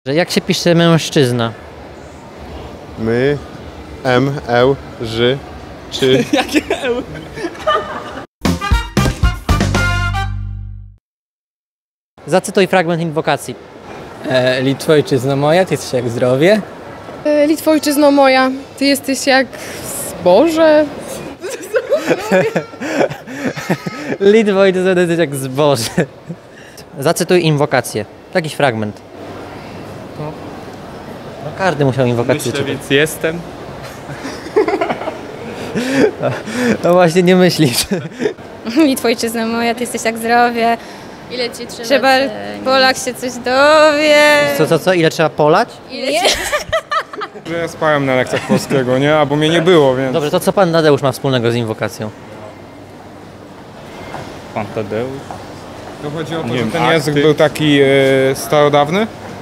Jak się pisze mężczyzna? My, M, L, Ż, czy... Jakie eł? Zacytuj fragment inwokacji. Litwo, ojczyzno moja, ty jesteś jak zdrowie. Litwo, ojczyzno moja, ty jesteś jak zboże. Litwo i to jest jak zboże. Zacytuj inwokację. Jakiś fragment. No każdy musiał inwokację czytać. Więc jestem. No właśnie nie myślisz. Litwo, ojczyzno moja, ty jesteś jak zdrowie. Ile ci trzeba? Trzeba, Polak się coś dowie. Co? Ile trzeba polać? Że ja spałem na lekcjach polskiego, nie? Albo mnie nie było, więc... Dobrze, to co pan Tadeusz ma wspólnego z inwokacją? Pan Tadeusz. To chodzi o to, Nie że wiem, ten akty. język był taki starodawny.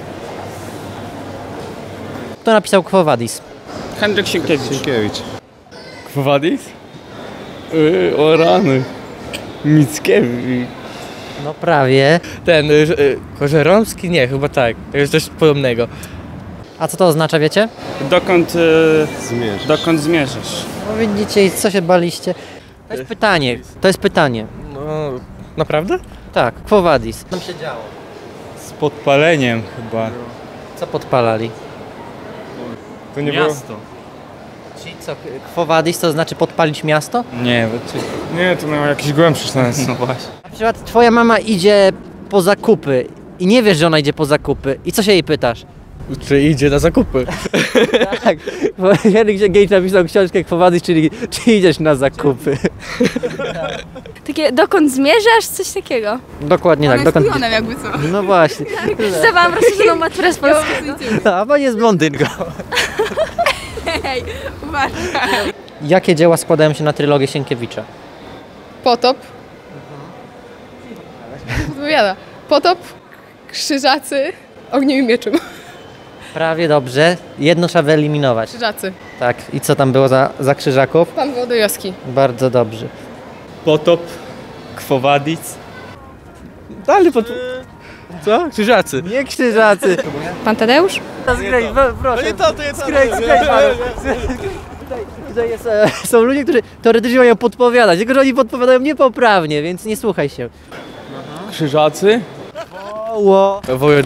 Kto napisał Quo Vadis? Henryk Sienkiewicz. Sienkiewicz. Kwowadis? O rany. Mickiewicz. No prawie. Ten, Kożeromski? Nie, chyba tak. To jest coś podobnego. A co to oznacza, wiecie? Zmierz. Zmierzasz? No widzicie, co się baliście? To jest pytanie. No, naprawdę? Tak, Quo Vadis. Co tam się działo? Z podpaleniem chyba. Co podpalali? To nie było... Czyli co, Quo Vadis to znaczy podpalić miasto? Nie, Nie, to miało jakiś głębszy sens. no właśnie. Na przykład twoja mama idzie po zakupy i nie wiesz, że ona idzie po zakupy. I co się jej pytasz? Czy idzie na zakupy? Tak, bo Henryk Sienkiewicz napisał książkę Quo Vadis, czyli czy idziesz na zakupy. Takie, dokąd zmierzasz? Coś takiego. Dokładnie tak. Dokąd... jakby co. No właśnie. Zdawałam rozszerzoną maturę z polskiego. A pani jest blondynką. Hej, uważaj. Jakie dzieła składają się na trylogię Sienkiewicza? Potop. Odpowiada. Potop, Krzyżacy, Ogniem i Mieczem. Prawie dobrze. Jedno trzeba wyeliminować. Krzyżacy. Tak. I co tam było za krzyżaków? Pan Wołodyjowski. Bardzo dobrze. Potop, Quo Vadis. Dalej Co? Krzyżacy. Nie krzyżacy. Pan Tadeusz? Proszę. To jest Tutaj jest, są ludzie, którzy teoretycznie mają podpowiadać, tylko że oni podpowiadają niepoprawnie, więc nie słuchaj się. Krzyżacy? Woło.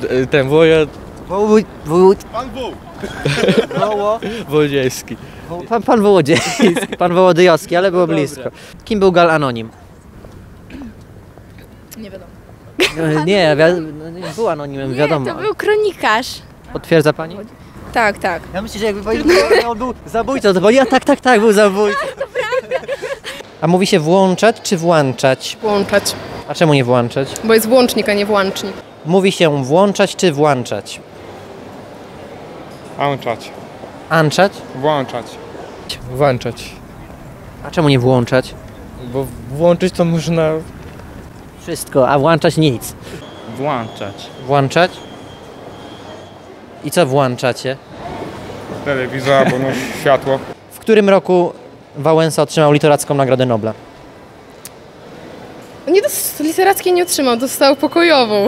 Wołodziejski. Pan Wołodziejski, pan Wołodyjowski, ale było blisko. Kim był Gal Anonim? Nie wiadomo. Nie, był anonimem, wiadomo. To był kronikarz. Potwierdza pani? Tak, tak. Ja myślę, że jakby pani on był zabójcą, to pani, tak, był zabójcą. To prawda. A mówi się włączać czy włączać? Włączać. A czemu nie włączać? Bo jest włącznik, a nie włącznik. Mówi się włączać czy włączać? Włączać. Anczać? Włączać. Włączać. A czemu nie włączać? Bo włączyć to można... Wszystko, a włączać nic. Włączać. Włączać? I co włączacie? Telewizor albo no, światło. W którym roku Wałęsa otrzymał literacką Nagrodę Nobla? Nie literackiej nie otrzymał, dostał pokojową.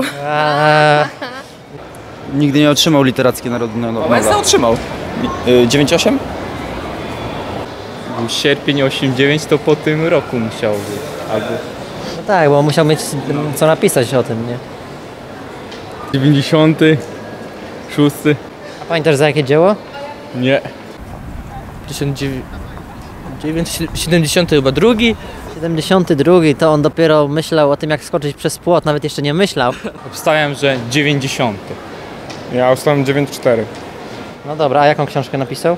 Nigdy nie otrzymał literackiej nagrody Nobla. Wałęsa otrzymał. 9,8? Był sierpień 89, to po tym roku musiał być. Albo... No tak, bo musiał mieć co napisać o tym, nie? 96. A pamiętasz za jakie dzieło? Nie. 1970 chyba drugi. 72, to on dopiero myślał o tym, jak skoczyć przez płot, nawet jeszcze nie myślał. Obstałem, że 90. Ja ustałem 9,4. No dobra, a jaką książkę napisał?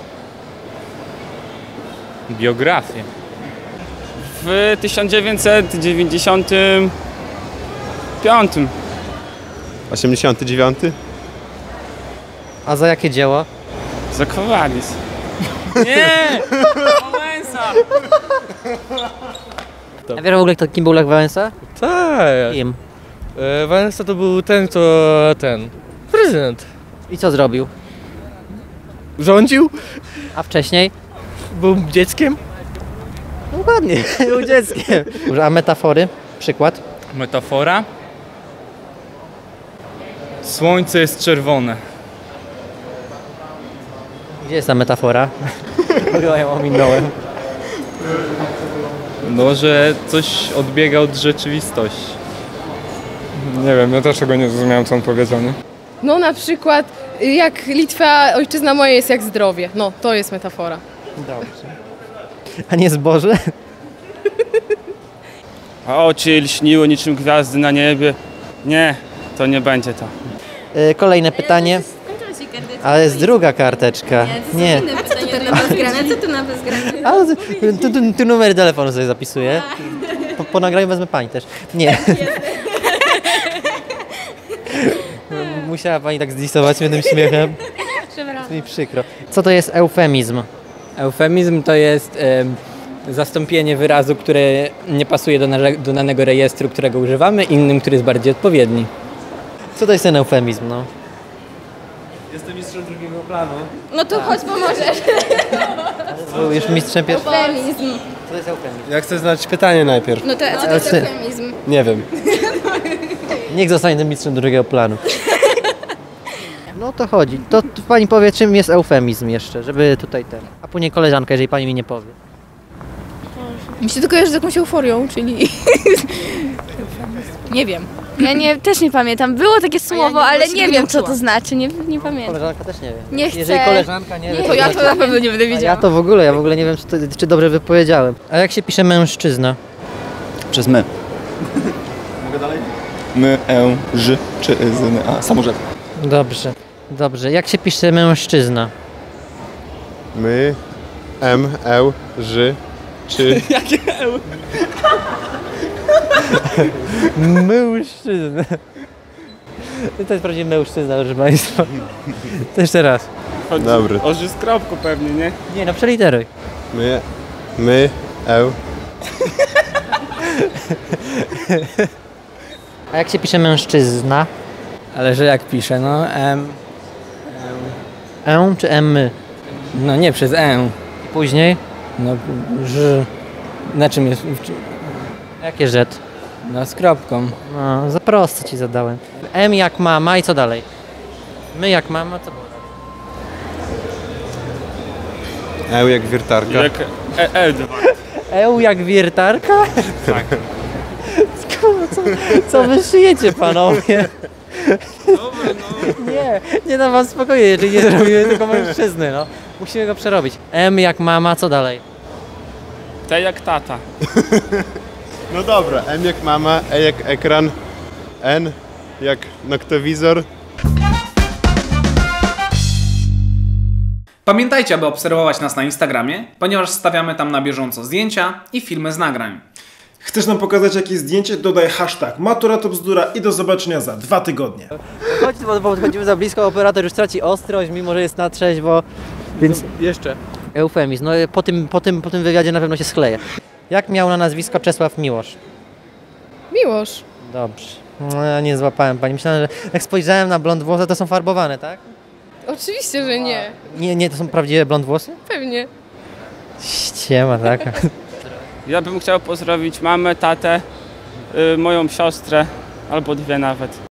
Biografię. W 1995. 89? A za jakie dzieło? Za Quo Vadis. Nie! Wałęsa! A wiesz w ogóle, kim był Lech Wałęsa? Tak. Kim? Wałęsa to był ten, prezydent. I co zrobił? Rządził? A wcześniej? Był dzieckiem? Dokładnie, był dzieckiem. A metafory? Przykład? Metafora? Słońce jest czerwone. Gdzie jest ta metafora? Chyba ją ominąłem. No, że coś odbiega od rzeczywistości. Nie wiem, ja też tego nie zrozumiałem, co on powiedział, nie? No na przykład jak Litwa, ojczyzna moja jest jak zdrowie. No, to jest metafora. Dobrze. A nie zboże? A oczy lśniły niczym gwiazdy na niebie. Nie, to nie będzie to. Kolejne pytanie. Ale jest druga karteczka. Nie. A co to na bezgrane? Co tu na bezgrane? Ale tu numer telefonu sobie zapisuję. Po nagraniu wezmę pani też. Nie. Musiała pani tak zdisować mnie tym śmiechem. Jest mi przykro. Co to jest eufemizm? Eufemizm to jest zastąpienie wyrazu, które nie pasuje do danego rejestru, którego używamy, innym, który jest bardziej odpowiedni. Co to jest ten eufemizm, no? Jestem mistrzem drugiego planu. No to chodź pomożesz. Był już mistrzem pierwszy. Eufemizm. Co to jest eufemizm? Ja chcę znać pytanie najpierw. No to co to jest eufemizm? Nie wiem. Niech zostanie tym mistrzem drugiego planu. No to chodzi. To pani powie, czym jest eufemizm jeszcze, żeby tutaj ten. A później koleżanka, jeżeli pani mi nie powie. Mi się to kojarzy z jakąś euforią, czyli... nie wiem. Ja też nie pamiętam. Było takie słowo, ale właśnie nie nie wiem co uczyłam. to znaczy. Nie pamiętam. Koleżanka też nie wie. Nie chcę. Jeżeli koleżanka nie wie, To ja to na pewno nie będę A ja wiedziała. to w ogóle nie wiem, czy dobrze wypowiedziałem. A jak się pisze mężczyzna? Przez my. Mogę dalej? My, ż, czy, z, a, samorzek. Dobrze, dobrze. Jak się pisze mężczyzna? My, ż, czy... Mężczyzna. To jest prawdziwy mężczyzna, proszę państwa. To jeszcze raz. Chodzi Dobry. o ży z kropką pewnie, nie? Nie, no przeliteruj. My, A jak się pisze mężczyzna? Ale że jak piszę, no Czy my? no nie przez I później? no ż, na czym jest, Jakie rzecz? no z kropką. No, za prosto ci zadałem. M jak mama i co dalej? My jak mama, co było dalej? jak wiertarka. Jak L2. Jak wiertarka? Tak. Co wy szyjecie, panowie? Nie dam was spokoju, jeżeli nie zrobimy tylko mężczyzny, no. Musimy go przerobić. M jak mama, co dalej? T jak tata. No dobra, M jak mama, E jak ekran, N jak noktowizor. Pamiętajcie, aby obserwować nas na Instagramie, ponieważ stawiamy tam na bieżąco zdjęcia i filmy z nagrań. Chcesz nam pokazać jakieś zdjęcie? Dodaj hashtag Matura to bzdura i do zobaczenia za 2 tygodnie. Chodź, bo podchodzimy za blisko, operator już traci ostrość, mimo że jest na trzeźwo, więc Jeszcze. eufemizm. No po tym wywiadzie na pewno się skleję. Jak miał na nazwisko Czesław Miłosz? Miłosz. Dobrze. No, ja nie złapałem pani. Myślałem, że jak spojrzałem na blond włosy, to są farbowane, tak? Oczywiście, że nie. Nie, to są prawdziwe blond włosy? Pewnie. Ściema taka. Ja bym chciał pozdrowić mamę, tatę, moją siostrę, albo dwie nawet.